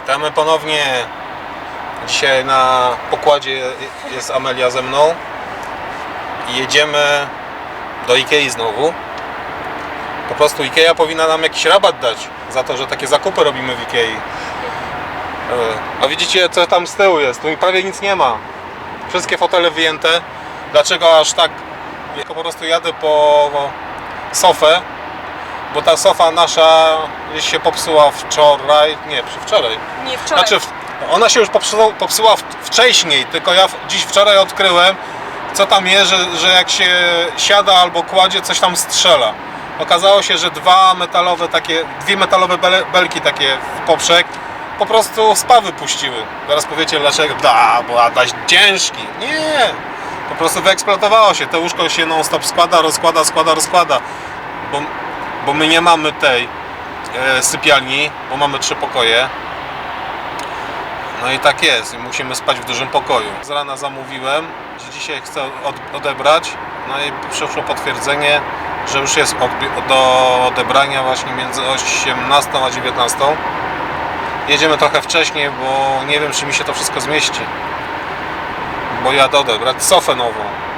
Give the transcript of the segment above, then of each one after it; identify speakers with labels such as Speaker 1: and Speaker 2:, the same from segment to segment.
Speaker 1: Witamy ponownie. Dzisiaj na pokładzie jest Amelia ze mną i jedziemy do Ikei znowu. Po prostu Ikea powinna nam jakiś rabat dać za to, że takie zakupy robimy w Ikei. A widzicie, co tam z tyłu jest? Tu prawie nic nie ma. Wszystkie fotele wyjęte. Dlaczego aż tak? Ja po prostu jadę po sofę, bo ta sofa nasza gdzieś się popsuła wczoraj. Nie, wczoraj.
Speaker 2: Nie, wczoraj.
Speaker 1: Znaczy, ona się już popsuła wcześniej, tylko ja wczoraj odkryłem, co tam jest, że jak się siada albo kładzie, coś tam strzela. Okazało się, że dwie metalowe belki takie w poprzek po prostu spawy puściły. Zaraz powiecie dlaczego, bo Adaś ciężki. Nie! Po prostu wyeksploatowało się. To łóżko się non stop składa, rozkłada. Bo my nie mamy tej sypialni, bo mamy 3 pokoje. No i tak jest, musimy spać w dużym pokoju. Z rana zamówiłem, że dzisiaj chcę odebrać. No i przyszło potwierdzenie, że już jest do odebrania właśnie między 18 a 19. Jedziemy trochę wcześniej, bo nie wiem, czy mi się to wszystko zmieści. Bo jadę odebrać sofę nową.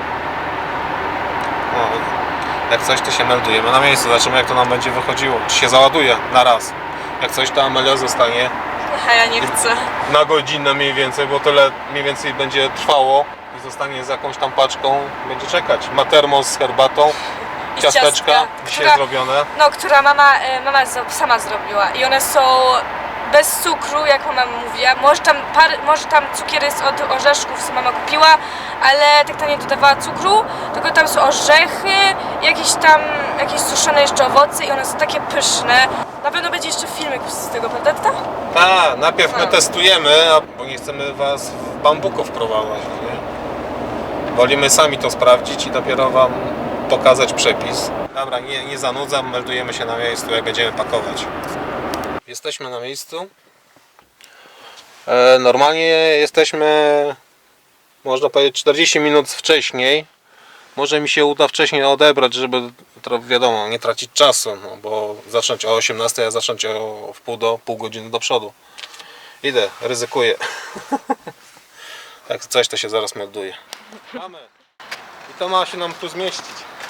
Speaker 1: No, jak coś, to się meldujemy na miejscu, zobaczymy, jak to nam będzie wychodziło. Czy się załaduje na raz. Jak coś, to Amelia zostanie
Speaker 2: A ja nie chcę.
Speaker 1: na godzinę mniej więcej, bo tyle mniej więcej będzie trwało i zostanie z jakąś tam paczką, będzie czekać. Ma termos z herbatą,
Speaker 2: I
Speaker 1: ciasteczka
Speaker 2: ciastka,
Speaker 1: dzisiaj zrobione.
Speaker 2: No, która mama sama zrobiła i one są bez cukru, jak mama mówiła. Może tam cukier jest od orzeszków, co mama kupiła, ale tak to nie dodawała cukru, tylko tam są orzechy, jakieś suszone jeszcze owoce i one są takie pyszne. Na pewno będzie jeszcze filmik z tego, prawda, tata?
Speaker 1: Tak, najpierw my testujemy, bo nie chcemy was w bambuko wprowadzać, nie? Wolimy sami to sprawdzić i dopiero wam pokazać przepis. Dobra, nie zanudzam, meldujemy się na miejscu, jak będziemy pakować. Jesteśmy na miejscu. Normalnie jesteśmy, można powiedzieć, 40 minut wcześniej. Może mi się uda wcześniej odebrać, żeby, wiadomo, nie tracić czasu, no, bo zacząć o 18, a zacząć o pół godziny do przodu. Idę, ryzykuję. Jak coś, to się zaraz melduje. Mamy. I to ma się nam tu zmieścić.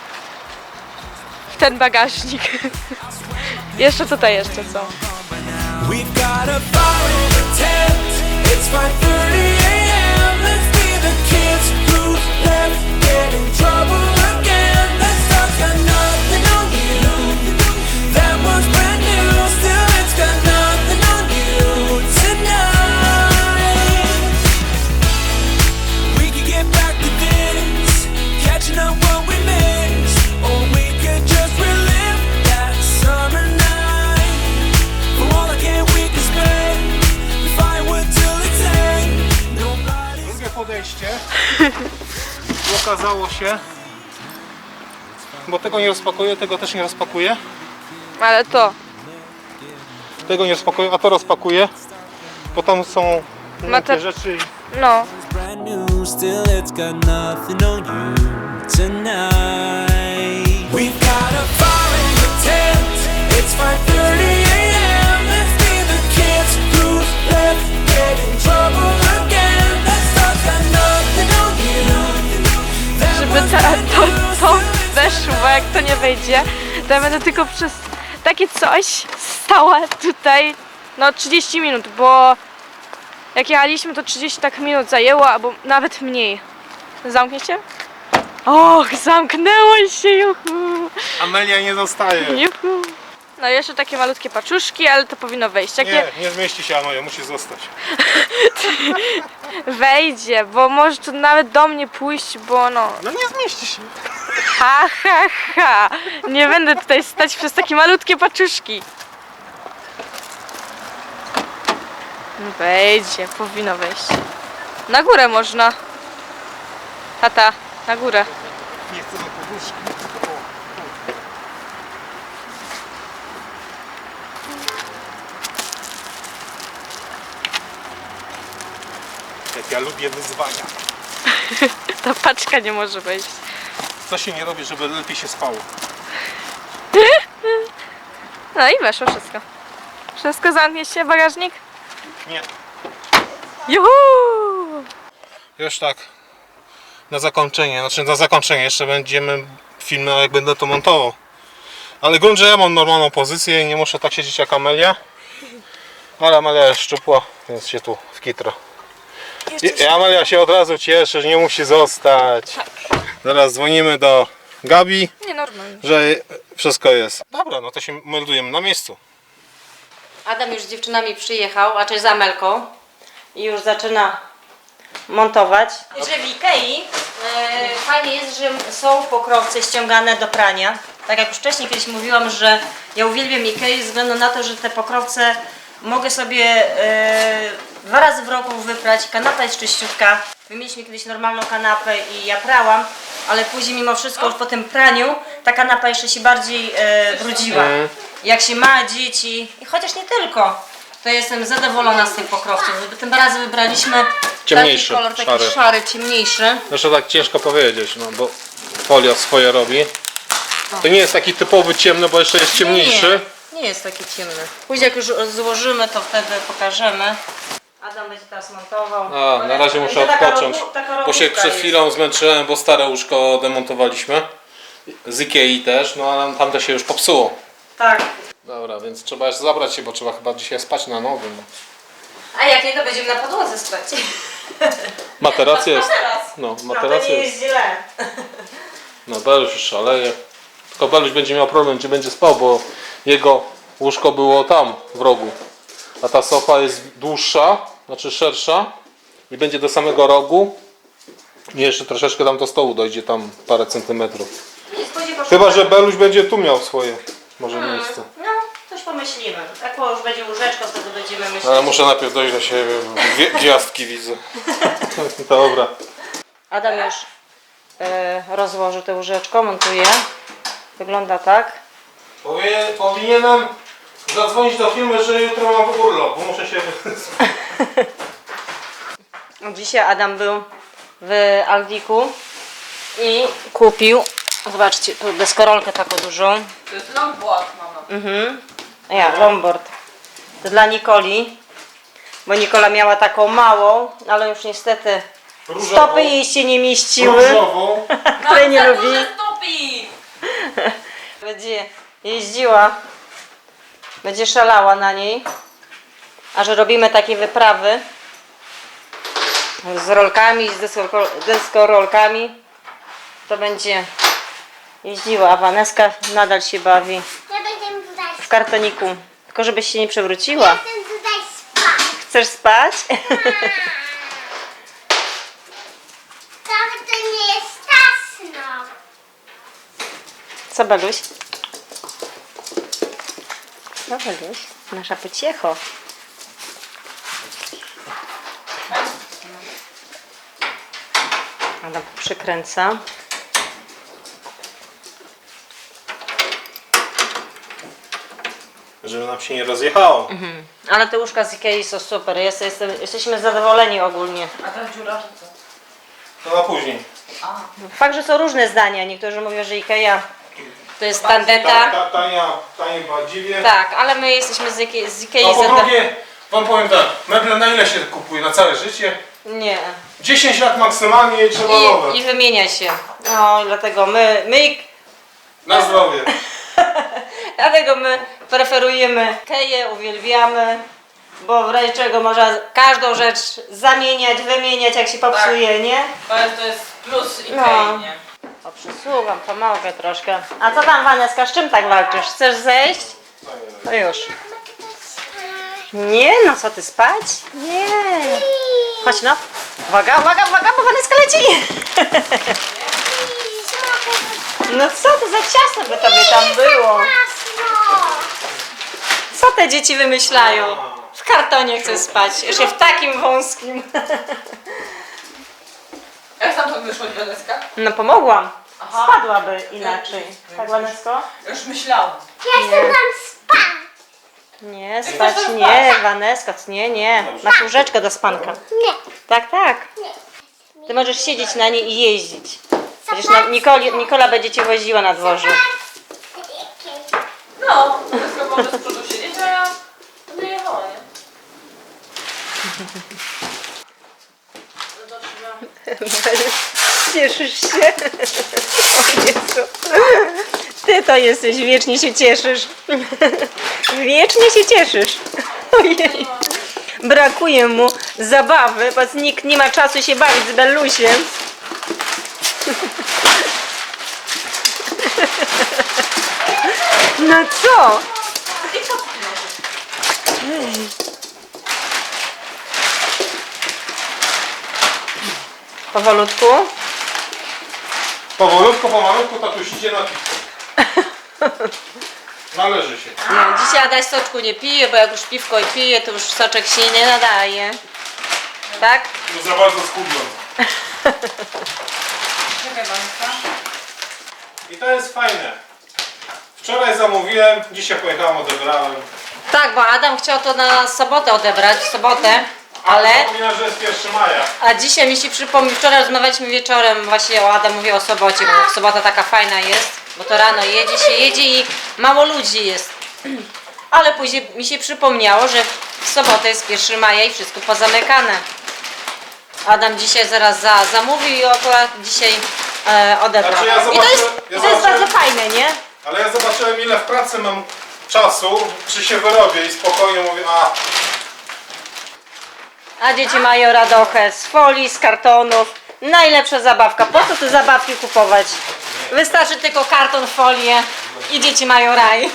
Speaker 2: Ten bagażnik. Jeszcze tutaj są.
Speaker 3: We've got a fire in the tent. It's 5:30 a.m. Let's be the kids who left get in trouble again. That stuff's got nothing on you. That one's brand new. Still, it's got nothing on you tonight. We could get back to this, catching up what we missed, or we could just relive that summer night. For all the can't we can spend, we firewood till it's end. Nobody's
Speaker 1: Drugie podejście. I okazało się, bo tego nie rozpakuję, tego też nie rozpakuję.
Speaker 2: Ale to.
Speaker 1: Tego nie rozpakuję, a to rozpakuję. Bo tam są takie rzeczy.
Speaker 2: No.
Speaker 3: brand new, still it's got nothing on you tonight. We've got a fire in the tent. It's 5:30 a.m. Let's be the kids who left get in trouble again. That stuff's got nothing on you.
Speaker 2: Żeby to weszło, jak to nie wejdzie, to ja będę tylko przez takie coś stała tutaj 30 minut, bo jak jechaliśmy, to 30 tak minut zajęło, albo nawet mniej. Zamknie się? Och, zamknęło się, juhu!
Speaker 1: Amelia nie zostaje.
Speaker 2: Juhu! No jeszcze takie malutkie paczuszki, ale to powinno wejść.
Speaker 1: Nie zmieści się Amelia, musi zostać.
Speaker 2: Wejdzie, bo może tu nawet do mnie pójść, bo
Speaker 1: No nie zmieści się.
Speaker 2: Ha! Nie będę tutaj stać przez takie malutkie paczuszki. Wejdzie, powinno wejść. Na górę można. Tata, na górę.
Speaker 1: Nie chcę za poduszki. Jak ja lubię wyzwania.
Speaker 2: Ta paczka nie może wejść.
Speaker 1: Co się nie robi, żeby lepiej się spało?
Speaker 2: No i weszło wszystko. Wszystko zamknie się, bagażnik?
Speaker 1: Nie.
Speaker 2: Juhu!
Speaker 1: Już tak. Na zakończenie, jeszcze będziemy filmy, jak będę to montował. Ale grunt, że ja mam normalną pozycję i nie muszę tak siedzieć jak Amelia. Ale Amelia jest szczupła, więc się tu wkitra. I Amelia się od razu cieszy, że nie musi zostać. Zaraz dzwonimy do Gabi,
Speaker 2: Nie, normalnie.
Speaker 1: że wszystko jest. Dobra, no to się meldujemy na miejscu.
Speaker 4: Adam już z dziewczynami przyjechał, a czy z Amelką i już zaczyna montować. Że w Ikei fajnie jest, że są pokrowce ściągane do prania. Tak jak już wcześniej kiedyś mówiłam, że ja uwielbiam Ikei ze względu na to, że te pokrowce mogę sobie 2 razy w roku wyprać. Kanapa jest czyściutka. My mieliśmy kiedyś normalną kanapę i ja prałam, ale później mimo wszystko już po tym praniu ta kanapa jeszcze się bardziej brudziła. Jak się ma dzieci, i chociaż nie tylko, to jestem zadowolona z tych pokrowców. Tym razem wybraliśmy
Speaker 1: Ciemniejszy,
Speaker 4: taki kolor, taki
Speaker 1: szary.
Speaker 4: szary, ciemniejszy.
Speaker 1: Zresztą tak ciężko powiedzieć, no bo folia swoje robi. To nie jest taki typowy ciemny, bo jeszcze jest ciemniejszy.
Speaker 4: Nie jest taki ciemny. Później jak już złożymy, to wtedy pokażemy. Adam będzie teraz montował.
Speaker 1: A, na razie muszę
Speaker 4: To taka
Speaker 1: odpocząć,
Speaker 4: taka
Speaker 1: bo się
Speaker 4: robótka
Speaker 1: przed
Speaker 4: jest.
Speaker 1: chwilą zmęczyłem, bo stare łóżko demontowaliśmy. Z Ikei też, no ale tamte się już popsuło.
Speaker 4: Tak.
Speaker 1: Dobra, więc trzeba jeszcze zabrać się, bo trzeba chyba dzisiaj spać na nowym.
Speaker 4: A jak nie, to będziemy na podłodze spać.
Speaker 1: Materac jest.
Speaker 4: Materac.
Speaker 1: No,
Speaker 4: No
Speaker 1: materac
Speaker 4: to nie
Speaker 1: jest.
Speaker 4: jest źle.
Speaker 1: No, Beluś już szaleje. Tylko Beluś będzie miał problem, gdzie będzie spał, bo jego łóżko było tam, w rogu. A ta sofa jest dłuższa, znaczy szersza i będzie do samego rogu. I jeszcze troszeczkę tam do stołu dojdzie, tam parę centymetrów. Chyba, że Beluś będzie tu miał swoje może miejsce.
Speaker 4: No, coś pomyślimy. Jak już będzie łóżeczko, wtedy będziemy myśleć.
Speaker 1: Ale muszę najpierw dojść do siebie, gwiazdki widzę. Dobra.
Speaker 4: Adam już rozłożył to łóżeczko, montuje. Wygląda tak.
Speaker 1: Powinienem zadzwonić do firmy, że jutro mam urlop, bo muszę się...
Speaker 4: Dzisiaj Adam był w Aldiku i kupił, zobaczcie, tu deskorolkę taką dużą.
Speaker 2: To jest longboard, mama.
Speaker 4: Longboard. To dla Nikoli, bo Nikola miała taką małą, ale już niestety stopy jej się nie mieściły,
Speaker 1: Różową.
Speaker 4: której nie lubi.
Speaker 2: Stopi!
Speaker 4: Będzie jeździła, będzie szalała na niej, a że robimy takie wyprawy z rolkami, z deskorolkami, to będzie jeździła, a Waneska nadal się bawi
Speaker 5: Ja będę tutaj
Speaker 4: w kartoniku, tylko żebyś się nie przewróciła.
Speaker 5: Będę tutaj spać.
Speaker 4: Chcesz spać?
Speaker 5: Trochę to nie jest tasno.
Speaker 4: Co, Beluś? Co, Beluś? Nasza pociecho. Adam przykręca.
Speaker 1: Żeby nam się nie rozjechało.
Speaker 4: Ale te łóżka z Ikei są super. Jesteśmy zadowoleni ogólnie.
Speaker 2: A ta dziura, co?
Speaker 1: To na później.
Speaker 4: Fakt, że są różne zdania. Niektórzy mówią, że Ikea to jest tandeta.
Speaker 1: Tanie badziwie.
Speaker 4: Tak, ale my jesteśmy z Ikei
Speaker 1: A po
Speaker 4: zadowoleni.
Speaker 1: drugie, wam powiem tak, meble na ile się kupuje? Na całe życie?
Speaker 4: Nie.
Speaker 1: 10 lat maksymalnie i trzeba nowe.
Speaker 4: I wymienia się. No i dlatego
Speaker 1: Na zdrowie.
Speaker 4: dlatego my preferujemy Ikeję, uwielbiamy, bo w razie czego można każdą rzecz zamieniać, wymieniać, jak się popsuje, nie?
Speaker 2: To jest plus Ikei,
Speaker 4: No.
Speaker 2: nie?
Speaker 4: O, przysługam, pomogę troszkę. A co tam, Waneska, z czym tak walczysz? Chcesz zejść? No już. Nie, no co ty, spać? Nie. Chodź no. Uwaga, uwaga, uwaga, bo Waneska leci. No co to za ciasno by tobie tam było?
Speaker 5: Tasno.
Speaker 4: Co te dzieci wymyślają? W kartonie chcę spać, jeszcze w takim wąskim.
Speaker 2: Jak tam to wyszło, Waneska?
Speaker 4: No pomogłam.
Speaker 2: Aha.
Speaker 4: Spadłaby inaczej. Tak, Wanesko?
Speaker 2: Już myślałam.
Speaker 5: Ja chcę tam spać.
Speaker 4: Nie, spać nie, Wanesko, nie. Masz łóżeczkę do spanka.
Speaker 5: Nie.
Speaker 4: Tak, tak. Ty możesz siedzieć na niej i jeździć. Przecież Nikola będzie cię woziła na dworze.
Speaker 2: No, Waneska może z przodu siedzieć, a ja będę jechała, nie?
Speaker 4: Cieszysz się? O Jezu. Ty to jesteś, wiecznie się cieszysz. Wiecznie się cieszysz. Ojej. Brakuje mu zabawy, bo nikt nie ma czasu się bawić z Bellusiem. No co? Powolutku.
Speaker 1: Powolutku, pomalutku tatuś idzie na piwko. Należy się.
Speaker 4: No, dzisiaj Adaś soczku nie pije, bo jak już piwko pije, to już soczek się nie nadaje. Tak?
Speaker 1: Już za bardzo schudłem. I to jest fajne. Wczoraj zamówiłem, dzisiaj pojechałem, odebrałem.
Speaker 4: Tak, bo Adam chciał to na sobotę odebrać, w sobotę, ale...
Speaker 1: Zapomniałem, że jest 1 maja.
Speaker 4: A dzisiaj mi się przypomniał, wczoraj rozmawialiśmy wieczorem, właśnie o Adam mówię o sobocie, bo sobota taka fajna jest, bo to rano jedzie i mało ludzi jest. Ale później mi się przypomniało, że w sobotę jest 1 maja i wszystko pozamykane. Adam dzisiaj zaraz zamówił i akurat dzisiaj odebrał.
Speaker 1: Znaczy ja
Speaker 4: I to jest,
Speaker 1: zobaczę-
Speaker 4: to jest bardzo fajne, nie?
Speaker 1: Ale ja zobaczyłem, ile w pracy mam czasu, czy się wyrobię i spokojnie mówię,
Speaker 4: A dzieci mają radochę z folii, z kartonów. Najlepsza zabawka. Po co te zabawki kupować? Wystarczy tylko karton, folię i dzieci mają raj.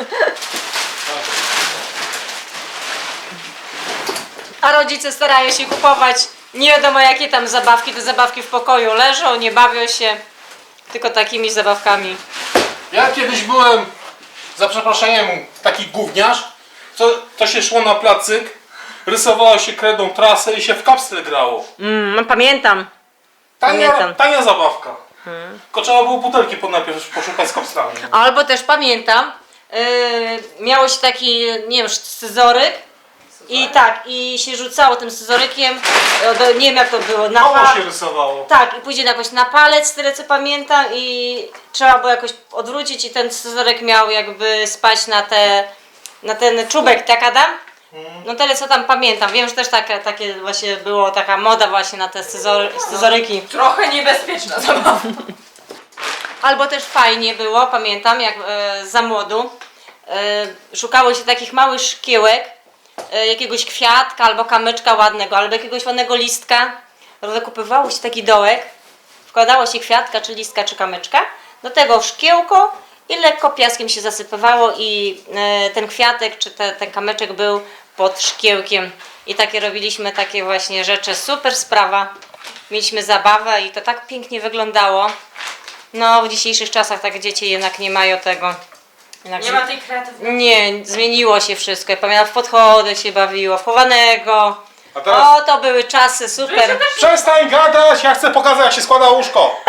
Speaker 4: A rodzice starają się kupować nie wiadomo jakie tam zabawki. Te zabawki w pokoju leżą, nie bawią się, tylko takimi zabawkami.
Speaker 1: Ja kiedyś byłem, za przeproszeniem, taki gówniarz, to się szło na placyk, rysowało się kredą trasę i się w kapsle grało.
Speaker 4: No pamiętam. Pamiętam.
Speaker 1: Tania zabawka. Tylko trzeba było butelki najpierw poszukać z kapslami.
Speaker 4: Albo też pamiętam, miało się taki, nie wiem, scyzoryk i tak, i się rzucało tym scyzorykiem, nie wiem jak to było, na
Speaker 1: Mało
Speaker 4: palec.
Speaker 1: się rysowało.
Speaker 4: Tak, i później jakoś na palec, tyle co pamiętam i trzeba było jakoś odwrócić i ten scyzoryk miał jakby spaść na ten czubek, tak Adam? No tyle co tam pamiętam, wiem, że też takie właśnie było, taka moda właśnie na te scyzoryki.
Speaker 2: Trochę niebezpieczna zabawa.
Speaker 4: Albo też fajnie było, pamiętam, jak za młodu szukało się takich małych szkiełek, jakiegoś kwiatka albo kamyczka ładnego, albo jakiegoś ładnego listka. Zakupywało się taki dołek, wkładało się kwiatka, czy listka, czy kamyczka, do tego szkiełko i lekko piaskiem się zasypywało i ten kwiatek, czy ten kamyczek był pod szkiełkiem. I takie robiliśmy, takie właśnie rzeczy, super sprawa. Mieliśmy zabawę i to tak pięknie wyglądało. No, w dzisiejszych czasach tak dzieci jednak nie mają tego. Jednak
Speaker 2: Nie ma tej kreatywności.
Speaker 4: nie, zmieniło się wszystko. Ja pamiętam, w podchody się bawiło, w chowanego.
Speaker 1: A teraz
Speaker 4: O, to były czasy, super.
Speaker 1: przestań gadać, ja chcę pokazać, jak się składa łóżko.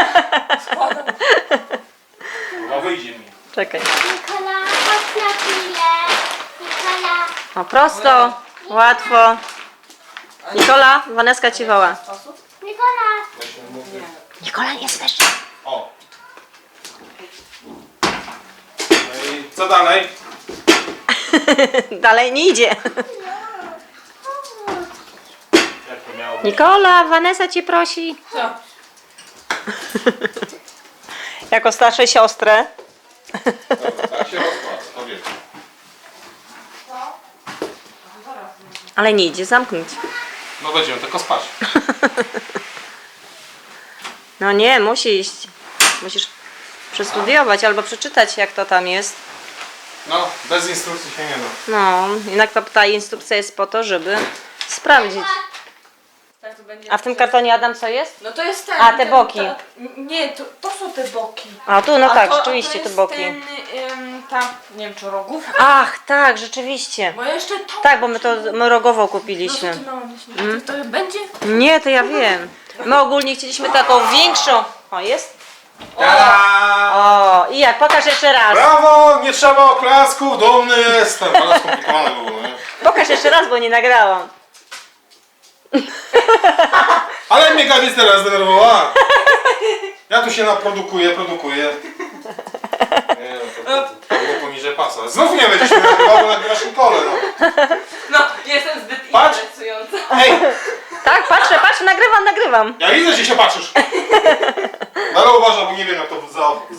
Speaker 1: No wyjdzie mi.
Speaker 4: Czekaj.
Speaker 5: Nikola, chodź na chwilę. Nikola,
Speaker 4: O, prosto, łatwo. Nikola, Waneska ci woła.
Speaker 5: Nikola.
Speaker 4: Nikola, nie słyszy.
Speaker 1: O. No i co dalej?
Speaker 4: Dalej nie idzie.
Speaker 1: Jak to miało być?
Speaker 4: Nikola, Vanessa cię prosi.
Speaker 2: Co?
Speaker 4: Jako starszej siostrę.
Speaker 1: Dobra, tak się rozkłada, powiedzmy.
Speaker 4: Ale nie idzie zamknąć.
Speaker 1: No będziemy tylko spać.
Speaker 4: No nie, musi iść. Musisz przestudiować albo przeczytać jak to tam jest.
Speaker 1: No, bez instrukcji się nie da.
Speaker 4: No, jednak ta instrukcja jest po to, żeby sprawdzić.
Speaker 2: Tak to będzie.
Speaker 4: A w tym kartonie Adam co jest?
Speaker 2: No to jest ten.
Speaker 4: A, te boki.
Speaker 2: Nie, to są te boki.
Speaker 4: A tu, no
Speaker 2: A
Speaker 4: tak,
Speaker 2: to,
Speaker 4: rzeczywiście
Speaker 2: to
Speaker 4: te
Speaker 2: jest
Speaker 4: boki.
Speaker 2: Ten, nie wiem czy rogów.
Speaker 4: Ach, tak, rzeczywiście.
Speaker 2: Bo jeszcze to.
Speaker 4: Tak, bo my to rogową
Speaker 2: No
Speaker 4: kupiliśmy.
Speaker 2: to ty mama myśli, to będzie?
Speaker 4: Nie, to ja wiem. My ogólnie chcieliśmy taką większą. O, jest?
Speaker 1: Ta!
Speaker 4: O, i jak? Pokaż jeszcze raz.
Speaker 1: Brawo, nie trzeba oklasków, dumny jestem. Ale skomplikowane było, nie?
Speaker 4: Pokaż jeszcze raz, bo nie nagrałam.
Speaker 1: Ale mnie Gabi teraz zdenerwowała. Ja tu się produkuję. Nie, to było poniżej pasa. Znów nie będziesz mnie nagrywał, bo nagrywasz Nikolę, no.
Speaker 2: No, jestem zbyt
Speaker 1: Patrz.
Speaker 2: interesująca.
Speaker 1: Ej,
Speaker 4: Tak, patrzę, nagrywam.
Speaker 1: ja widzę, że się patrzysz.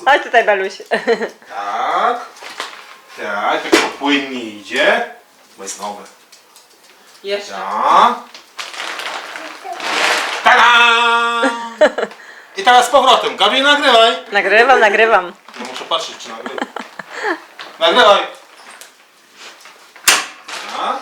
Speaker 4: Chodź tutaj, Beluś.
Speaker 1: Tak. Tak, jak to płynnie idzie. Bo jest nowe.
Speaker 4: Jeszcze.
Speaker 1: Tak. Tada! I teraz z powrotem. Gabi, nagrywaj.
Speaker 4: Nagrywam.
Speaker 1: No muszę patrzeć, czy nagrywa. Nagrywaj. Tak.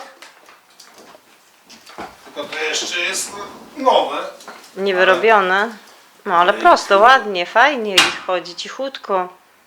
Speaker 1: Tylko to jeszcze jest nowe.
Speaker 4: Niewyrobione. No ale prosto, ładnie, fajnie ich chodzi, cichutko.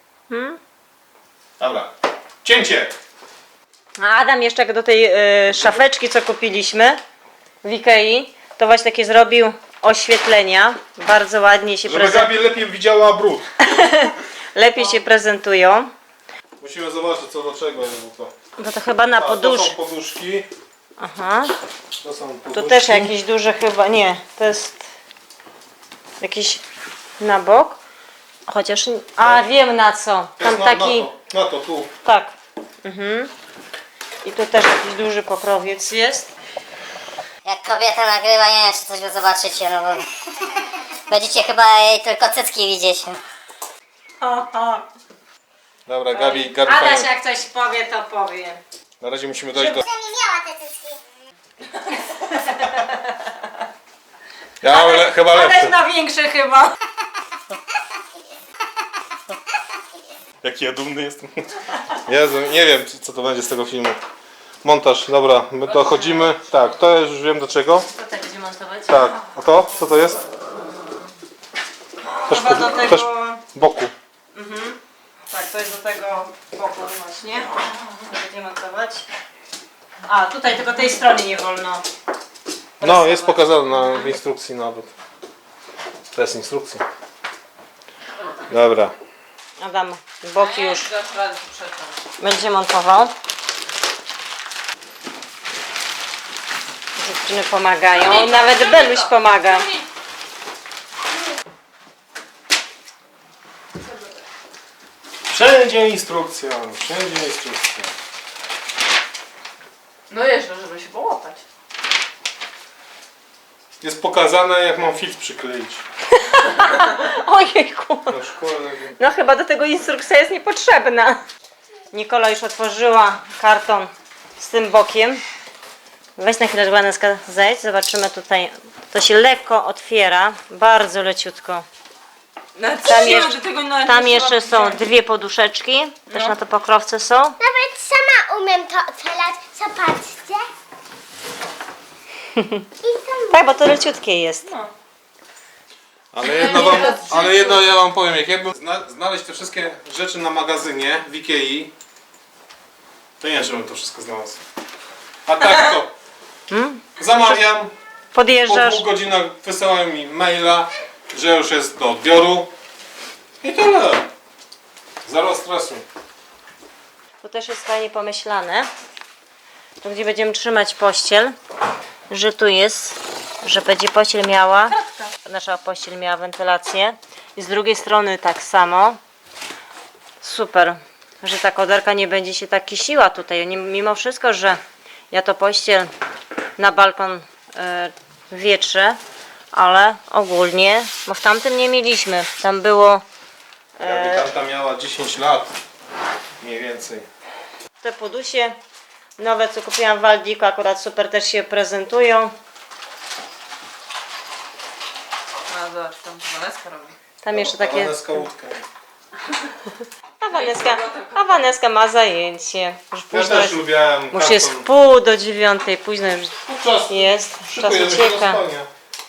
Speaker 1: Dobra. Cięcie.
Speaker 4: A Adam jeszcze jak do tej szafeczki, co kupiliśmy w Ikei, to właśnie takie zrobił oświetlenia. Bardzo ładnie się
Speaker 1: Żeby Gabi lepiej widziała brud.
Speaker 4: lepiej się prezentują.
Speaker 1: Musimy zobaczyć co do czego jest to.
Speaker 4: No to chyba na
Speaker 1: To
Speaker 4: podusz.
Speaker 1: są poduszki.
Speaker 4: Aha.
Speaker 1: To są poduszki.
Speaker 4: Tu też jakieś duże chyba, nie, to jest jakiś na bok. Chociaż, a wiem na co.
Speaker 1: To
Speaker 4: Tam
Speaker 1: jest
Speaker 4: taki,
Speaker 1: na to, tu.
Speaker 4: tak. I tu też jakiś duży pokrowiec jest.
Speaker 6: Jak kobieta nagrywa, nie wiem czy coś wy zobaczycie, no bo będziecie chyba jej tylko cycki widzieć.
Speaker 1: Dobra, Gabi
Speaker 4: Adaś
Speaker 1: fajnie.
Speaker 4: jak coś powie, to powie.
Speaker 1: Na razie musimy dojść do...
Speaker 5: Nie miała te cycki.
Speaker 1: Ja chyba
Speaker 4: Adaś
Speaker 1: lepszy.
Speaker 4: na większy chyba.
Speaker 1: Jaki ja dumny jestem. Jezu, nie wiem co to będzie z tego filmu. Montaż, dobra, my dochodzimy. Tak, to już wiem do czego.
Speaker 4: To tak będzie montować.
Speaker 1: Tak, a to? Co to jest? Też,
Speaker 4: Chyba do tego...
Speaker 1: też boku.
Speaker 4: Tak, to jest do tego boku właśnie. To będzie montować. A, tutaj tylko tej strony nie wolno.
Speaker 1: No, jest pokazane w instrukcji nawet. To jest instrukcja. Dobra.
Speaker 4: Adam, boki już będzie montował. Dziewczyny pomagają. Nawet Beluś pomaga.
Speaker 1: Wszędzie instrukcja, wszędzie instrukcja.
Speaker 2: No jeszcze, żeby się połapać.
Speaker 1: Jest pokazane jak mam filtr przykleić.
Speaker 4: Ojejku.
Speaker 1: Na szkole.
Speaker 4: No chyba do tego instrukcja jest niepotrzebna. Nikola już otworzyła karton z tym bokiem. Weź na chwilę, Żłaneska, zejdź. Zobaczymy tutaj. To się lekko otwiera. Bardzo leciutko. Tam jeszcze są dwie poduszeczki. Też na to pokrowce są.
Speaker 5: Nawet sama umiem to otwierać. Zobaczcie. I tam
Speaker 4: Tak, bo to leciutkie jest.
Speaker 1: Ale jedno ja wam powiem, jak jakbym znaleźć te wszystkie rzeczy na magazynie w Ikei, to nie wiem, czy bym to wszystko znalazł. A tak to zamawiam, po
Speaker 4: Podjeżdżasz.
Speaker 1: 2 godzinach wysyłają mi maila, że już jest do odbioru i tyle. Zero stresu.
Speaker 4: Tu też jest fajnie pomyślane. Tu gdzie będziemy trzymać pościel, że tu jest, że będzie pościel miała, nasza pościel miała wentylację i z drugiej strony tak samo. Super, że ta koderka nie będzie się tak kisiła tutaj, mimo wszystko, że ja to pościel na balkon wietrzę, ale ogólnie, bo w tamtym nie mieliśmy, tam było
Speaker 1: Tamta miała 10 lat, mniej więcej.
Speaker 4: te podusie nowe, co kupiłam w Aldiku, akurat super też się prezentują.
Speaker 2: A zobacz, tam Waneska robi.
Speaker 4: Tam jeszcze takie...
Speaker 1: Waneska łódkę.
Speaker 4: A Waneska ma zajęcie. Już
Speaker 1: Ja
Speaker 4: późno
Speaker 1: też
Speaker 4: jest,
Speaker 1: lubiałem
Speaker 4: już jest 8:30, późno już
Speaker 1: Czas,
Speaker 4: jest, czas
Speaker 1: szykujemy się do
Speaker 4: ucieka.
Speaker 1: spania.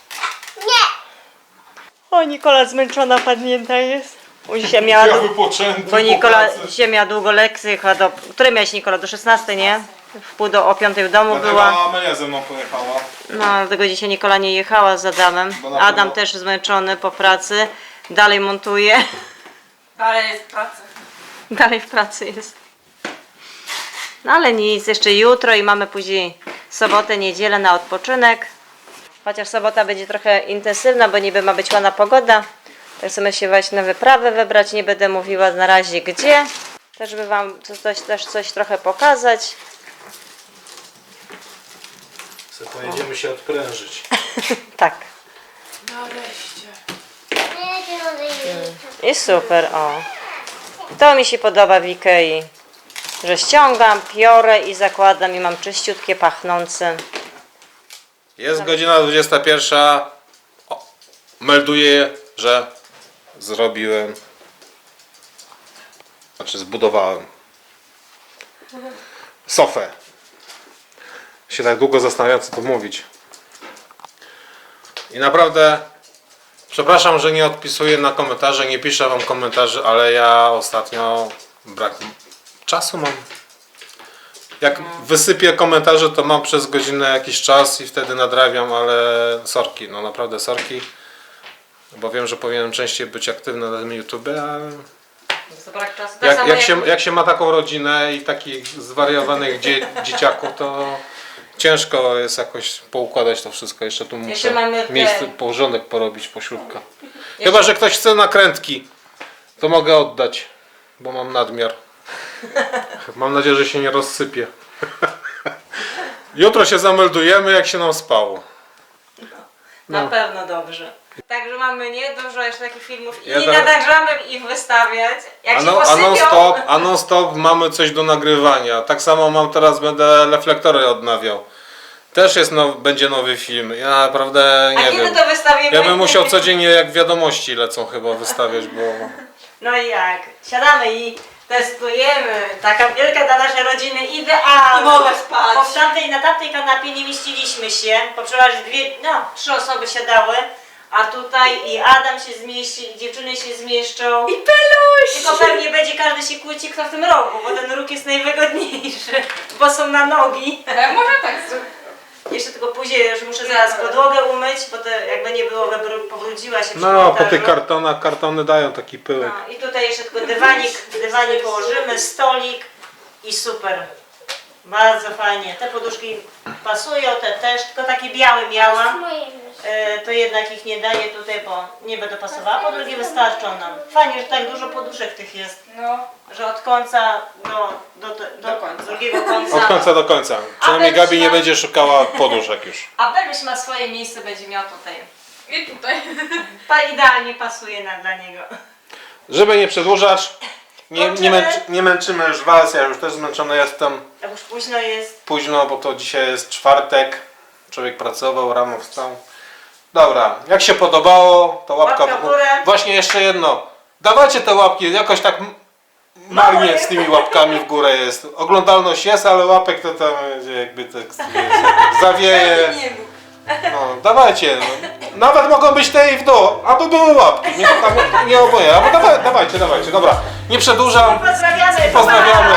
Speaker 4: O, Nikola zmęczona, padnięta jest. Dzisiaj miała,
Speaker 1: Ja wypoczęty
Speaker 4: bo
Speaker 1: po
Speaker 4: Nikola
Speaker 1: pracy.
Speaker 4: dzisiaj miała długo lekcje, chyba do... Które miałeś, Nikola? Do 16, nie? O 5 w domu
Speaker 1: Dlatego
Speaker 4: była.
Speaker 1: Amelia ze mną pojechała.
Speaker 4: No, dlatego dzisiaj Nikola nie jechała z Adamem.
Speaker 1: Bo na
Speaker 4: Adam
Speaker 1: pewno-
Speaker 4: też zmęczony po pracy. Dalej montuje.
Speaker 2: Ale jest praca.
Speaker 4: Dalej w pracy jest. No ale nic, jeszcze jutro i mamy później sobotę, niedzielę na odpoczynek. Chociaż sobota będzie trochę intensywna, bo niby ma być ładna pogoda. Tak chcemy się właśnie na wyprawę wybrać. Nie będę mówiła na razie gdzie. Też żeby wam coś trochę pokazać.
Speaker 1: Pojedziemy się odprężyć.
Speaker 4: Tak.
Speaker 2: Nareszcie.
Speaker 5: nie,
Speaker 4: I super, o. To mi się podoba w Ikei, że ściągam, piorę i zakładam i mam czyściutkie, pachnące.
Speaker 1: Jest godzina 21. O, melduję, że zrobiłem. Znaczy zbudowałem sofę. Się tak długo zastanawiam, co tu mówić. I naprawdę przepraszam, że nie odpisuję na komentarze, nie piszę wam komentarzy, ale ja ostatnio brak czasu mam. Jak wysypię komentarze, to mam przez godzinę jakiś czas i wtedy nadrabiam, ale sorki, no naprawdę sorki. Bo wiem, że powinienem częściej być aktywny na tym YouTube, ale
Speaker 4: To brak czasu. Tak samo
Speaker 1: jak się ma taką rodzinę i takich zwariowanych dzieciaków, to ciężko jest jakoś poukładać to wszystko. Jeszcze tu muszę
Speaker 4: mamy te-
Speaker 1: miejsce, porządek porobić, pośródka. Chyba że ktoś chce nakrętki, to mogę oddać, bo mam nadmiar. Mam nadzieję, że się nie rozsypie. Jutro się zameldujemy, jak się nam spało.
Speaker 4: Na pewno dobrze. Także mamy dużo jeszcze takich filmów i
Speaker 1: Ja
Speaker 4: nie
Speaker 1: tak-
Speaker 4: nadążamy ich wystawiać. Jak się
Speaker 1: A
Speaker 4: posypią,
Speaker 1: non-stop mamy coś do nagrywania. Tak samo mam teraz, będę reflektory odnawiał. Też jest będzie nowy film. Ja naprawdę
Speaker 4: a
Speaker 1: nie
Speaker 4: kiedy
Speaker 1: wiem.
Speaker 4: to wystawimy?
Speaker 1: Ja bym musiał codziennie, jak wiadomości lecą, chyba wystawiać, bo...
Speaker 4: No i jak? Siadamy i testujemy. Taka wielka dla naszej rodziny idealna.
Speaker 2: I mogę spać.
Speaker 4: Bo na tamtej kanapie nie mieściliśmy się, bo przeważnie 3 osoby siadały, a tutaj i Adam się zmieści, i dziewczyny się zmieszczą.
Speaker 2: I peluś!
Speaker 4: Tylko pewnie będzie każdy się kłóci, kto w tym rogu, bo ten róg jest najwygodniejszy, bo są na nogi.
Speaker 2: Może tak zrobić.
Speaker 4: Jeszcze tylko później już muszę zaraz podłogę umyć, bo to jakby nie było, pobrudziła się przy
Speaker 1: No, po
Speaker 4: montażu.
Speaker 1: tych kartonach, kartony dają taki pyłek.
Speaker 4: No, i tutaj jeszcze tylko dywanik położymy, stolik i super. Bardzo fajnie. Te poduszki pasują, te też, tylko takie białe miałam.
Speaker 5: Moje myszy.
Speaker 4: To jednak ich nie daję tutaj, bo nie będę pasowała. Po drugie wystarczą nam. Fajnie, że tak dużo poduszek tych jest,
Speaker 2: No.
Speaker 4: że od końca do
Speaker 2: końca.
Speaker 4: drugiego końca.
Speaker 1: Od końca do końca. Przynajmniej
Speaker 4: Beluś
Speaker 1: Gabi nie
Speaker 4: ma-
Speaker 1: będzie szukała poduszek już.
Speaker 4: A Beluś ma swoje miejsce, będzie miał tutaj.
Speaker 2: I tutaj.
Speaker 4: Idealnie pasuje dla niego.
Speaker 1: Żeby nie przedłużać,
Speaker 4: Kończymy.
Speaker 1: nie męczymy już was, ja już też zmęczony jestem.
Speaker 4: Tak już późno jest.
Speaker 1: Późno, bo to dzisiaj jest czwartek. Człowiek pracował, rano wstał. Dobra, jak się podobało, to łapka
Speaker 4: Łapka w górę.
Speaker 1: Właśnie jeszcze jedno. Dawajcie te łapki, jakoś tak marnie
Speaker 4: jest.
Speaker 1: z tymi łapkami w górę jest. Oglądalność jest, ale łapek to tam jakby tak zawieje. No, dawajcie. No. Nawet mogą być te i w dół, aby były łapki. Nie, tam, nie oboje, albo dawajcie. Dobra, nie przedłużam.
Speaker 4: Pozdrawiamy.
Speaker 1: Pozdrawiamy.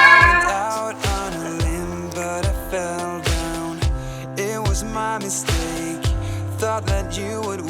Speaker 3: Out on a limb, but I fell down. It was my mistake. Thought that you would